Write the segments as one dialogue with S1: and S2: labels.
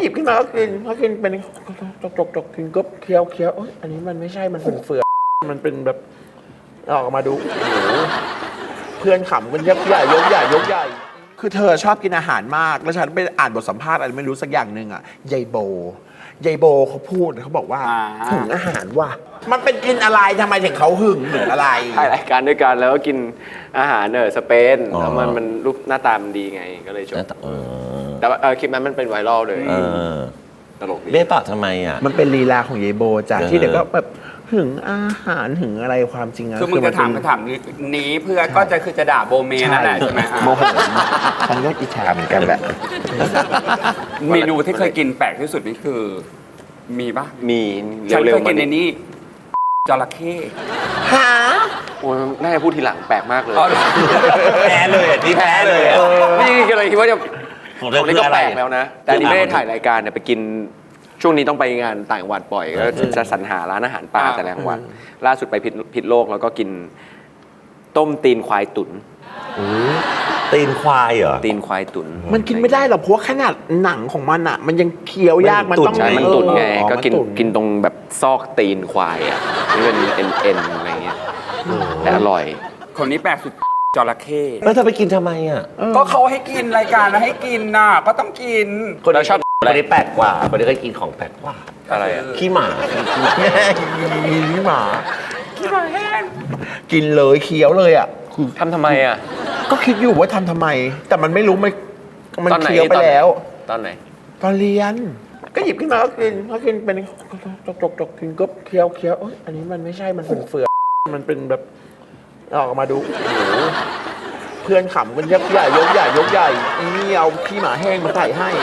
S1: หยิบขึ้นมาก็กินเป็นจกกินก็เคี้ยวอันนี้มันไม่ใช่มันเป็นเฟือกมันเป็นแบบออกมาดูโอ้โหเพื่อนขำกันยกใหญ่คือเธอชอบกินอาหารมากแล้วฉันไปอ่านบทสัมภาษณ์อะไรไม่รู้สักอย่างหนึ่งอ่ะยายโบเขาพูดเขาบอกว่าหึงอาหารว่ะมันเป็นกินอะไรทำไมถึงเขาหึงหรืออะไร
S2: ถ่ายรายการด้วยกันแล้วก็กินอาหารสเปนแล้วมันรูปหน้าตามันดีไงก็เลยชมแต่ว่าคลิปนั้นมันเป็นไวรัลเลยตลกดี
S3: เบ้ปากทำไมอ่ะ
S1: มันเป็นลีลาของยายโบจ้ะที่เด็กก็แบบหึงอาหารหึงอะไรความจริงอะ
S4: คือมึงจะถามคำถามนี้เพื่อก็จะคือจะด่าโบเมนั่นแหละใช่ไหม
S1: โมโหฉันก็อิจฉาเหมือนกันแหละ
S4: เมนูที่เคยกินแปลกที่สุดนี่คือมีปะ
S2: มี
S4: ฉัน
S2: เร็
S4: เคว ย
S2: ๆ
S4: กินในนี้จระเข้
S1: หา
S2: โอ้ยน่าจะพูดทีหลังแปลกมากเลย
S3: แพ้เลยนี่แพ้เลย
S2: ไม่ก็เลยคิดว่าจะ
S3: ของ
S2: ตรงนี้ก็แปลกแล้วนะแต่อันนี้ไม่ได้
S3: คือ
S2: ถ่ายรายการเนี่ยไปกินช่วงนี้ต้องไปงานต่างจังหวัดบ่อยก็จะสรรหาร้านอาหารป่าแต่ละจังหวัดล่าสุดไปพิษโลกแล้วก็กินต้มตีนควายตุ๋น
S3: ตีนควายเหรอ
S2: ตีนควายตุ๋น
S1: มันกินไม่ได้หรอกเพราะขนาดหนังของมันอ่ะมันยังเคี้ยวยากมันต้อง
S2: ใช่มันตุ๋นไงก็
S1: มัน
S2: กินตรงแบบซอกตีนควายอ่ะนี่เป็นเอ็นอะไรเงี้ยแต่อร่อย
S4: คนนี้แปลกสุดจระเข้
S3: แล้วเธอไปกินทำไมอ่ะ
S4: ก็เขาให้กินรายการนะให้กินน่ะก็ต้องกิน
S2: เราชอบ
S3: คนนี้แปลกกว่าคนนี้เคยกินของแปลกกว่า
S2: อะไรอ่ะ
S3: ขี้หมา
S1: ขี้หมาแห้งกินเลยเคี้ยวเลยอ่ะ
S2: ทำไมอ่ะ
S1: ก็คิดอยู่ว่าทำไมแต่มันไม่รู้มันเคี้ยวไปแล้ว
S2: ตอนไหน
S1: ตอนเรียนก็หยิบขึ้นมาก็กินเป็นจกกินก็เคี้ยวอันนี้มันไม่ใช่มันเป็นเฟือกมันเป็นแบบออกมาดูโอ้โหเพื่อนขำกันยกใหญ่นี่เอาขี้หมาแห้งมาใส่ให้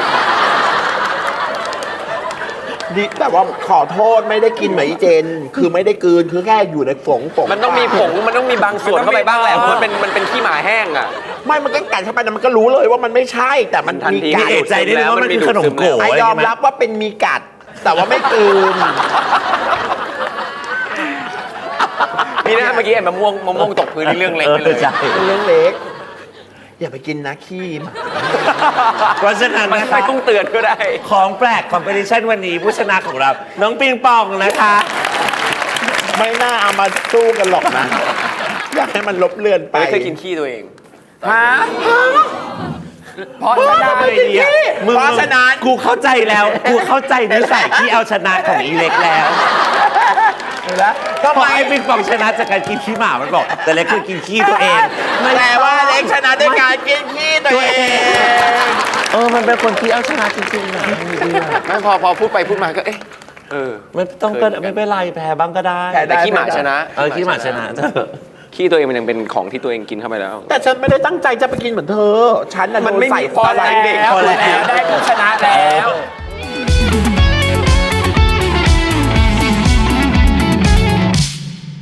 S1: ดิแต่ว่าขอโทษไม่ได้กินเหมือนอีเจนคือไม่ได้กลืนคือแค่อยู่ในฝง
S2: มันต้องมีผงมันต้องมีบางส่วนเข้าไปบ้างแหละมันเป็นขี้หมาแห้งอ่ะ
S1: ไม่มันก็กัดเข้าไปแต่มันก็รู้เลยว่ามันไม่ใช่แต่มันมีกัด
S3: เอกใจได้เลยว่ามันคือขนมโก๋
S1: ยอมรับว่าเป็นมีกัดแต่ว่าไม่กลืน
S2: นี่นะเมื่อกี้มะม่วงตกพื้นเรื่องเล็กไปเลย
S1: เรื่องเล็กอย่าไปกินนะขี้
S3: เพราะฉะนั้นนะคะ
S2: ไม่ต้องเตือนก็ได้
S3: ของแปลกคอมเพลชันวันนี้ผู้ชนะของเราน้องปิงปองนะคะ
S1: ไม่น่าเอามาสู้กันหรอกนะอยากให้มันลบเลือนไป
S2: ไม่เคยกินขี้ตัวเอง
S4: ฮะเพราะฉะนั้น
S1: เพราะฉะนั้น
S3: กูเข้าใจแล้วกูเข้าใจนิสัยที่เอาชนะของอีเล็กแล้วก็พอไอ้ปิงปองชนะจากการกินขี้หมามันบอกแต่เล็กคือกินขี้ตัวเอง
S1: แต่ว่าเล็กชนะด้วยการกินขี้ตัวเอง
S3: มันเป็นคนที่เอาชนะจริงๆนะ
S2: ไม่พอพูดไปพูดมาก็
S3: ไม่ต้องไม่เป็นไรแพ้บ้างก็ได้
S2: แต่ขี้หมาชนะ
S3: ขี้หมาชนะ
S2: ขี้ตัวเองมันยังเป็นของที่ตัวเองกินเข้าไปแล้ว
S1: แต่ฉันไม่ได้ตั้งใจจะไปกินเหมือนเธอฉันน่ะ
S4: มันไม่
S1: ใส่
S4: พอแล้วได้ชนะแล้ว